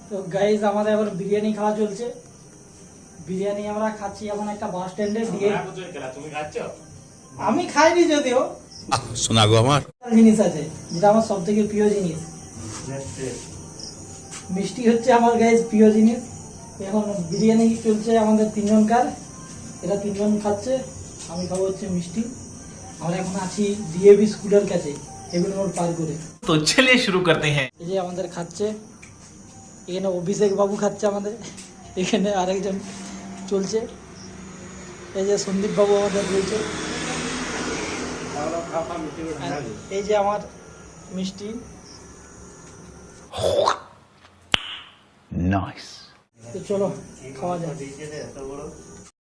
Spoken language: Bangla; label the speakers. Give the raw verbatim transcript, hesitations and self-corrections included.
Speaker 1: তো গাইজ আমাদের এবার বিরিয়ানি খাওয়া চলছে। বিরিয়ানি আমরা খাচ্ছি এখন একটা বাস স্ট্যান্ডে দিয়ে।
Speaker 2: তুমি খাচ্ছ?
Speaker 1: আমি খাইনি যদিও,
Speaker 3: শোনা গো আমার
Speaker 1: জিনিস আছে যেটা আমার সব থেকে প্রিয় জিনিস। মিষ্টি হচ্ছে আমার গাইজ প্রিয় জিনিস। এখন বিরিয়ানি চলছে আমাদের তিনজনকার, এরা তিনজন খাচ্ছে, আমি খাবো হচ্ছে মিষ্টি। আমরা এখন আছি ডিএভি স্কুলের কাছে, হেভেন রোড পার করে।
Speaker 4: তো চলিয়ে শুরু করতে হ্যাঁ।
Speaker 1: এই যে আমাদের খাচ্ছে, এখানে অভিষেক বাবু খাচ্ছে আমাদের, এখানে আরেকজন চলছে, এই যে সন্দীপ বাবু আমাদের রয়েছে। আর এই যে আমার মিষ্টি।
Speaker 3: নাইস।
Speaker 1: তো চলো খাওয়া যায়।